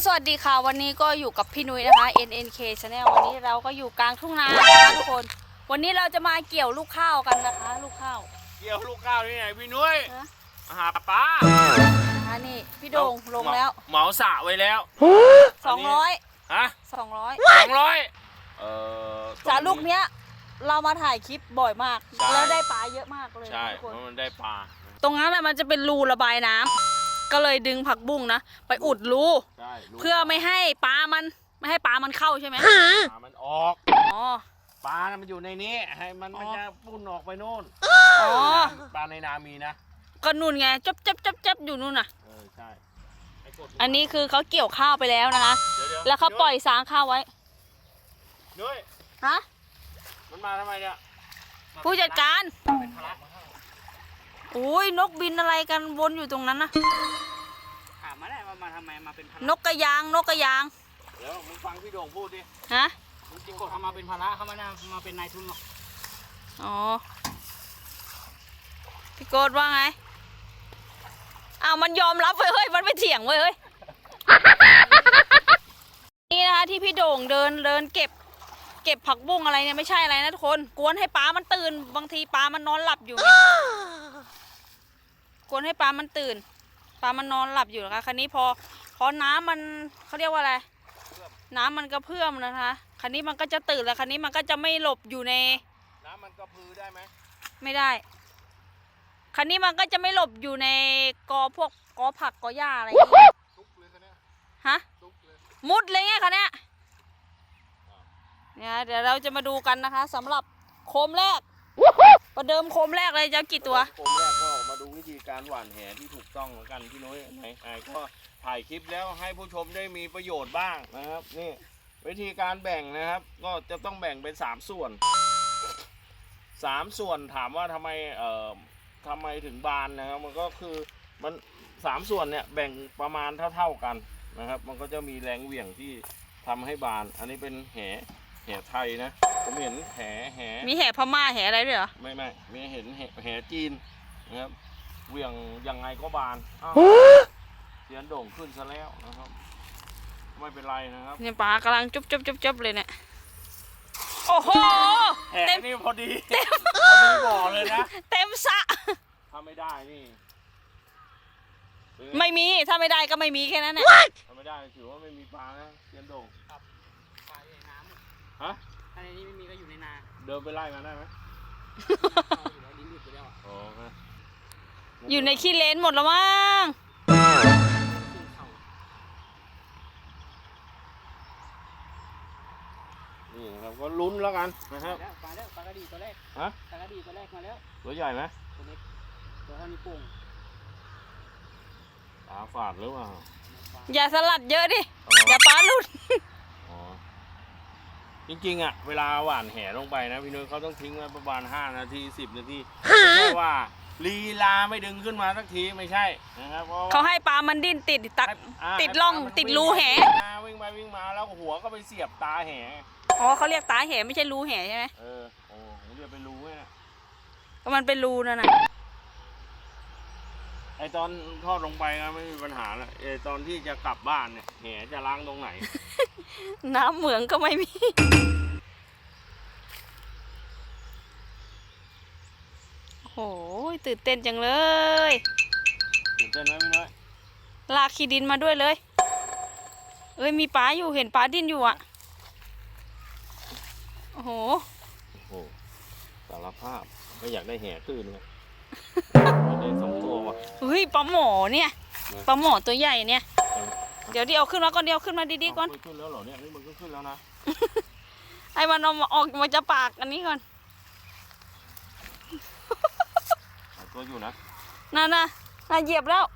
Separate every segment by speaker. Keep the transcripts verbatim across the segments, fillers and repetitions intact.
Speaker 1: สวัสดีค่ะวันนี้ก็อยู่กับพี่นุ้ยนะคะ เอ็น เอ็น เค Channel วันนี้เราก็อยู่กลางทุ่งนานะคะทุกคนวันนี้เราจะมาเกี่ยวลูกข้าวกันนะคะลูกข้าว
Speaker 2: เกี่ยวลูกข้าวที่ไหนพี่นุ้ยหาปลา
Speaker 1: นะคะนี่พี่โด่งลงแล้ว
Speaker 2: เหมาสระไว้แล้ว
Speaker 1: สองร้อย
Speaker 2: ฮะ
Speaker 1: สองร้อย
Speaker 2: สองร้อยเออ
Speaker 1: สระลูกเนี้ยเรามาถ่ายคลิปบ่อยมากแล้วได้ปลาเยอะมากเลย
Speaker 2: ใช่เพราะมันได้ปลา
Speaker 1: ตรงนั้นแหละมันจะเป็นรูระบายน้ำก็เลยดึงผักบุ้งนะไปอุดรูเพื่อไม่ให้ปลามันไม่ให้ปลามันเข้าใช่ไหม
Speaker 2: ปลามันออก
Speaker 1: อ๋อ
Speaker 2: ปลามันอยู่ในนี้ให้มันมันจะปุ่นออกไปโน่น
Speaker 1: อ๋อ
Speaker 2: ปลาในนามีนะ
Speaker 1: ก็นู่นไงจับจับจับจับอยู่นู่นน่ะ
Speaker 2: เออใช่
Speaker 1: อันนี้คือเขาเกี่ยวข้าวไปแล้วนะคะแล้วเขาปล่อยสางข้าวไว้
Speaker 2: ด้วย
Speaker 1: ฮะ
Speaker 2: มันมาทำไมเนี่ย
Speaker 1: ผู้จัดการโอ้ยนกบินอะไรกันวนอยู่ตรงนั้นนะ
Speaker 3: ถามมาได้ว่ามาทำไมมาเป็นภาระ
Speaker 1: นกกระยางนกกระยาง
Speaker 2: เดี๋ยวมึงฟังพี่โด่งพูดดิ
Speaker 1: ฮะ
Speaker 3: จริงๆเขามาเป็นภาระเขาไม่ได้มาเป็นนายทุนหรอก
Speaker 1: อ๋อพี่โกดว่าไงอ้าวมันยอมรับเว้ยเฮ้ยมันไม่เถียงเว้ยเฮ้ยนี่นะคะที่พี่โด่งเดินเดินเก็บเก็บผักบุ้งอะไรเนี่ยไม่ใช่อะไรนะทุกคนกวนให้ปลามันตื่นบางทีปลามันนอนหลับอยู่กวนให้ปลามันตื่นปลามันนอนหลับอยู่นะคะคันนี้พอพอน้ำมันเขาเรียกว่าอะไรน้ำมันกระเพื่อมนะคะคันนี้มันก็จะตื่นแล้วคันนี้มันก็จะไม่หลบอยู่ใน
Speaker 2: น้ำมันกระพือได้ไหม
Speaker 1: ไม่ได้คันนี้มันก็จะไม่หลบอยู่ในกอพวกกอผักกอหญ้าอะไรอย่างเงี้ยฮะมุดเลยไงคันนี้เนี่ยเดี๋ยวเราจะมาดูกันนะคะสำหรับโคมแรกประเดิมโคมแรกเลยจะกี่ตัว
Speaker 2: โคมแรกก็มาดูวิธีการหว่านแหที่ถูกต้องแล้วกันพี่นุ้ยไหนไอ้ก็ถ่ายคลิปแล้วให้ผู้ชมได้มีประโยชน์บ้างนะครับนี่วิธีการแบ่งนะครับก็จะต้องแบ่งเป็นสามส่วนสามส่วนถามว่าทำไมเอ่อทำไมถึงบานนะครับมันก็คือมันสามส่วนเนี่ยแบ่งประมาณเท่าๆกันนะครับมันก็จะมีแรงเหวี่ยงที่ทำให้บานอันนี้เป็นแหแหไทยนะผมเห็นแหแห
Speaker 1: มีแหพม่าแหอะไรด้วยเหรอ
Speaker 2: ไม่ไม่มีเห็นแหแหจีนนะครับเหวี่ยงยังไงก็บานเสียนโด่งขึ้นซะแล้วนะครับไม่เป็นไรนะครับ
Speaker 1: เนี่ยปลากำลังจุ๊บจุ๊บจุ๊บจุ๊บเลยเนี่ยโอ้โห
Speaker 2: แหนี่พอดีเต็มพอดีบ่อเลยนะ
Speaker 1: เต็มสระ
Speaker 2: ถ้าไม่ได้นี่
Speaker 1: ไม่มีถ้าไม่ได้ก็ไม่มีแค่นั้นแหละ
Speaker 2: ถ้าไม่ได้ถือว่าไม่มีปลานะเสียนโด่ง
Speaker 3: ปลาอยู่ในน้ำ
Speaker 2: ฮะ
Speaker 3: ถ้าในนี้ไม่มีก็อยู่ในนา
Speaker 2: เดินไปไล่มาได้ไหม
Speaker 3: ลิ้นหลุดไปแล้ว
Speaker 2: อ๋อ
Speaker 1: อยู่ในขี้เลนหมดแล้วมั้ง
Speaker 2: นี่นะครับก็ลุ้นแล้วกันนะครับ
Speaker 3: ปลาแล้วปลากระดีตัวแรก
Speaker 2: ฮะ
Speaker 3: ปลากระดีตัวแรกมาแล้ว
Speaker 2: ตัวใหญ่ไหม
Speaker 3: ตัวเล็กตัวเท่านี้ปุ่ง
Speaker 2: ปลาฝาดหรือเปล่า
Speaker 1: อย่าสลัดเยอะดิอย่าปลาหลุด
Speaker 2: จริงๆอ่ะเวลาหว่านแหลงไปนะพี่นุ้ยเขาต้องทิ้งไว้ประมาณห้านาทีสิบนาทีเพราะว่าลีลาไม่ดึงขึ้นมาสักทีไม่ใช่นะครับ
Speaker 1: เขาให้ปลามันดิ้นติดตักติดล่องติดรูแห
Speaker 2: วิ่งไปวิ่งมาแล้วหัวก็ไปเสียบตาแห
Speaker 1: อ๋อเขาเรียกตาแหไม่ใช่รูแหใช่ไหม
Speaker 2: เออโอ้ผมเรียกเป็นรูเนี่ย
Speaker 1: ก็มันเป็นรูนั่นน่ะ
Speaker 2: ไอตอนทอดลงไปนะไม่มีปัญหาแล้วไอตอนที่จะกลับบ้านเนี่ยแหจะล้างตรงไหน
Speaker 1: น้ำเหมืองก็ไม่มีโอ้ยตื่นเต้นจังเลย
Speaker 2: ตื่นเต้นไหมพี่น้อย
Speaker 1: ลากขี้ดินมาด้วยเลยเอ้ยมีปลาอยู่เห็นปลาดิ้นอยู่อ่ะโอ้โห
Speaker 2: โอ้โหสารภาพไม่อยากได้แห่ขึ้นเลยได้สองตัวว่ะ
Speaker 1: เฮ้ยปลาหมอเนี่ยปลาหมอตัวใหญ่เนี่ยเดี๋ยวเดี๋ยวขึ้นมาก่อนเดี๋ยวขึ้นมาดีๆก่อน
Speaker 2: ขึ้นแล้วเหรอเนี่ยนี่มันก็ขึ้นแล้วนะ
Speaker 1: ไอ้มันเอาออกมาจะปากอันนี้ก่อน
Speaker 2: ตัวอยู่นะ
Speaker 1: น่ะน่ะน่ะเหยียบแล้ว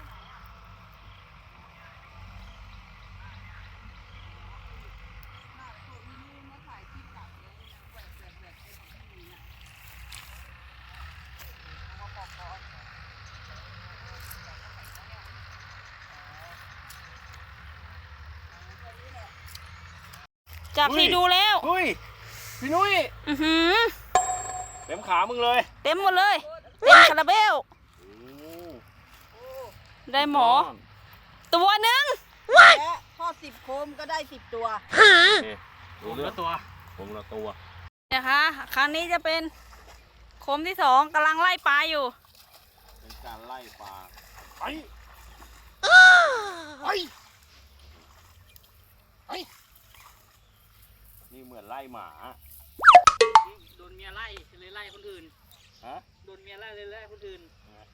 Speaker 1: จากที่ดูแล้ว
Speaker 2: อุ้ยพี่นุ้ย
Speaker 1: อือหือ
Speaker 2: เต็มขามึงเลย
Speaker 1: เต็มหมดเลยเต็มคาราเบลได้หมอตัวหนึ่งท
Speaker 4: สิบโคมก็ได้สิบตัว
Speaker 2: โอเค
Speaker 3: ผ
Speaker 2: รู้
Speaker 3: ม
Speaker 2: เรื่อ
Speaker 3: ละ
Speaker 2: ง
Speaker 3: ตัว
Speaker 2: ผมละตัว
Speaker 1: นะคะครั้งนี้จะเป็นโคมที่สองกำลังไล่ปลาอยู่
Speaker 2: เป็นการไล่ปลาไปไปไปนี่เหมือนไล่หมา
Speaker 3: โดนเมียไล่เลยไล่คนอื่น
Speaker 2: ฮะ
Speaker 3: โดนเมียไล่เลยไล่คนอื่น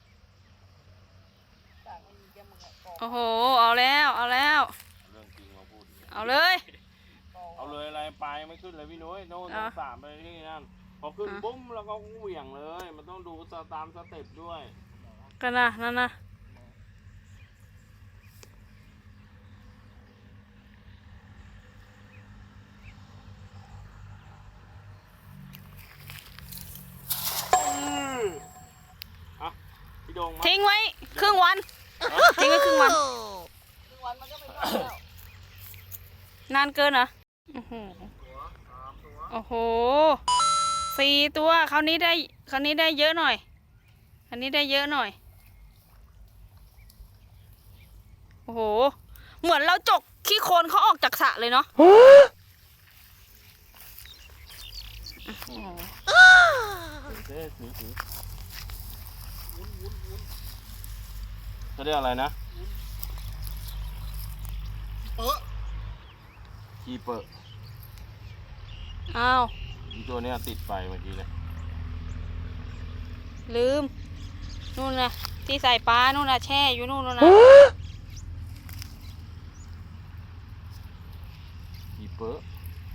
Speaker 1: โอ้โหเอาแล้วเอาแล้ว
Speaker 2: เรื่องจริงมาพูด
Speaker 1: เอาเลย
Speaker 2: เอาเลยอะไรปลายไม่ขึ้นเลยพี่นุ้ยโน่น
Speaker 1: เอา
Speaker 2: สามไปที่นั่นพอขึ้น
Speaker 1: อ่ะ
Speaker 2: บุ้มแล้วก็เหวี่ยงเลย มันต้องดูตามสเต็ปด้วย
Speaker 1: กันนะนั่นนะ
Speaker 2: อ่ะพี่โดงมา
Speaker 1: ทิ้งไว้ครึ่งวันทิ้งไว้ครึ่งวัน
Speaker 4: ทุกวันมันก็ไม่รอดแล้ว
Speaker 1: นานเกินเหรอโอ้โหโอ้โหสี่ตัวคราวนี้ได้คราวนี้ได้เยอะหน่อยคราวนี้ได้เยอะหน่อยโอ้โหเหมือนเราจกขี้โคลนเขาออกจากสระเลยเนาะ
Speaker 2: เอ๊ะถือถือเขาเรียกอะไรนะคีเปอร์
Speaker 1: อ้าว
Speaker 2: ตัวเนี้ยติดไฟเมื่อกี้เลย
Speaker 1: ลืมนู่นนะที่ใส่ปลานู่นนะแช่อยู่นู่นนะ
Speaker 2: คีเปอร์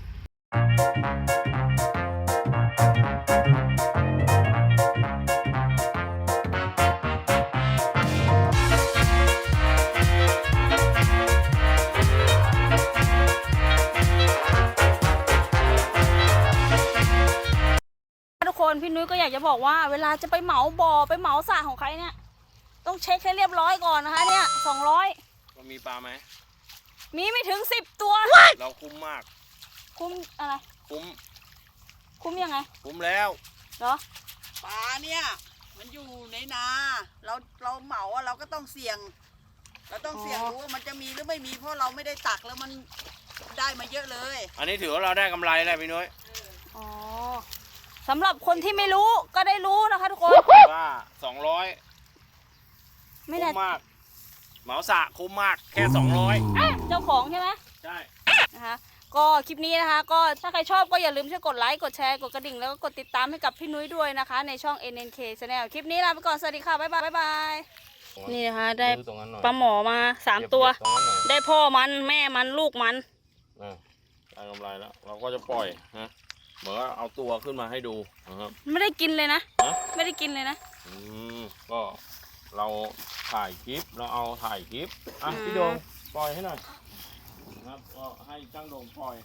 Speaker 1: ทุกคนพี่นุ้ยก็อยากจะบอกว่าเวลาจะไปเหมาบ่อไปเหมาสระของใครเนี่ยต้องเช็คให้เรียบร้อยก่อนนะคะเนี่ยสองร้อย
Speaker 2: มันมีปลาไหม
Speaker 1: มีไม่ถึงสิบตัว
Speaker 2: เราคุ้มมาก
Speaker 1: คุ้มอะไร
Speaker 2: คุ้ม
Speaker 1: คุ้มยังไง
Speaker 2: คุ้มแล้ว
Speaker 1: เหรอ
Speaker 4: ปลาเนี่ยมันอยู่ในนา เราเราเหมาอะเราก็ต้องเสี่ยง เราต้องเสี่ยงรู้ว่ามันจะมีหรือไม่มีเพราะเราไม่ได้ตักแล้วมันได้มาเยอะเลย
Speaker 2: อันนี้ถือว่าเราได้กำไรแล้วพี่นุ้ย
Speaker 1: อ๋อสำหรับคนที่ไม่รู้ก็ได้รู้นะคะทุกคน
Speaker 2: ว่าสองร้อย
Speaker 1: ไม่
Speaker 2: คุ้
Speaker 1: ได้
Speaker 2: มมาก เหมาสระคุ้มมากแค่สองร้อย
Speaker 1: เจ้าของใช่ไหม
Speaker 2: ใช่
Speaker 1: นะคะก็คลิปนี้นะคะก็ถ้าใครชอบก็อย่าลืมช่วยกดไลค์กดแชร์กดกระดิ่งแล้วก็กดติดตามให้กับพี่นุ้ยด้วยนะคะในช่อง เอ็น เอ็น เค Channel คลิปนี้ลาไปก่อนสวัสดีค่ะบ๊ายบายบ๊ายบายนี่นะคะได้
Speaker 2: ตรงนั้นหน่อย
Speaker 1: ปลาหมอมาสามตัว
Speaker 2: เหยียบๆตรงนั้นหน่อย
Speaker 1: ได้พ่อมันแม่มันลูกมัน
Speaker 2: อ่ะได้กำไรแล้ว เราก็จะปล่อยนะเหมือนว่าเอาตัวขึ้นมาให้ดูนะครับ
Speaker 1: ไม่ได้กินเลยนะ
Speaker 2: ฮะ
Speaker 1: ไม่ได้กินเลยนะ
Speaker 2: อืมก็เราถ่ายคลิปเราเอาถ่ายคลิปอ่ะ
Speaker 1: อืม
Speaker 2: พี่โดงปล่อยให้หน่อยนะครับก็ให้จ้างโดงปล่อย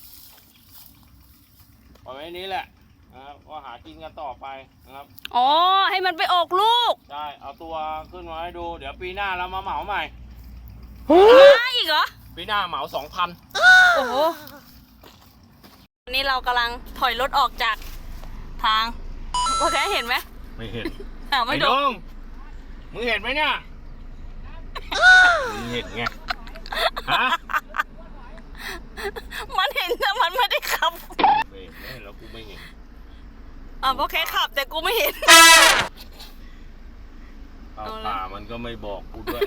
Speaker 2: ปล่อยไว้นี้แหละนะครับก็หากินกันต่อไปนะครับ
Speaker 1: อ๋อให้มันไปออกลูก
Speaker 2: ได้เอาตัวขึ้นมาให้ดู เดี๋ยวปีหน้าเรามาเหมาใหม่
Speaker 1: มาอีกเหรอ
Speaker 2: ปีหน้าเหมาสองพัน
Speaker 1: โอ้โหวันนี้เรากำลังถอยรถออกจากทางโอเคเห็นไหม
Speaker 2: ไม่เห็น
Speaker 1: อ่าไม่
Speaker 2: ไอ้
Speaker 1: โด
Speaker 2: โด
Speaker 1: น
Speaker 2: งมึงเห็นไหมเนี่ยมึงเห็นไงฮะ
Speaker 1: มันเห็นแต่มันไม่ได้ขับ
Speaker 2: ไม่เห็นไม่เห็นแล้วกูไม่เห็น
Speaker 1: อ่าโอเคขับแต่กูไม่เห็น
Speaker 2: เอา
Speaker 1: เอาละ
Speaker 2: ป่ามันก็ไม่บอกกูด้วย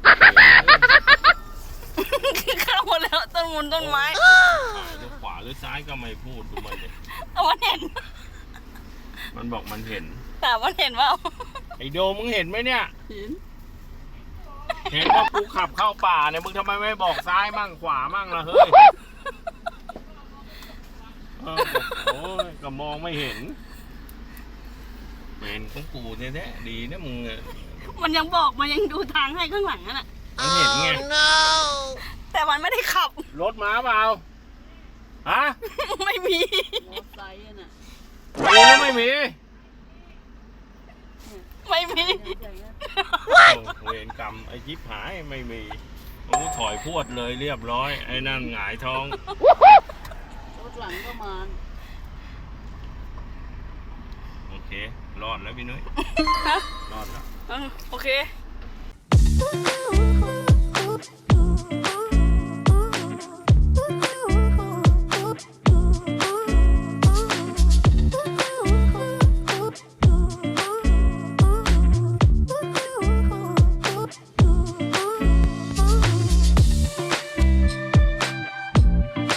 Speaker 1: เข้าหมดแล้วต้นมุนต้นไม้
Speaker 2: ถ่ายหรือขวาหรือซ้ายก็ไม่พูดดูมันดิ
Speaker 1: แต่มันเห็น
Speaker 2: มันบอกมันเห็น
Speaker 1: แต่มันเห็นว่า
Speaker 2: ไอโดมึงเห็นไหมเนี่ย
Speaker 4: เห็น
Speaker 2: เห็นว่ากูขับเข้าป่าเนี่ยมึงทำไมไม่บอกซ้ายมั่งขวามั่งล่ะเฮ้ยเออบอกโอ้ยก็มองไม่เห็นเห็นของกูแท้ๆดีนะมึงอะ
Speaker 1: มันยังบอกมันยังดูทางให้ข้างหลังนั่นแหละ
Speaker 2: มันเห็นไง
Speaker 1: แต่มันไม่ได้ขับ
Speaker 2: รถม้าเปล่าฮะ
Speaker 1: ไม่มี
Speaker 4: มอไซค์อะน่ะ
Speaker 2: มีหรือไม่มี
Speaker 1: ไม่มี
Speaker 2: โอ้เวรกรรมไอ้จิ๊บหายไม่มีโอ้ถอยพวดเลยเรียบร้อยไอ้นั่นหงายท้อง
Speaker 4: รถหลังก็มา
Speaker 2: โอเค รอดแล้วพี่นุ้ย รอดแล้ว
Speaker 1: อืมโอเค
Speaker 5: Ooh, ooh, ooh, ooh.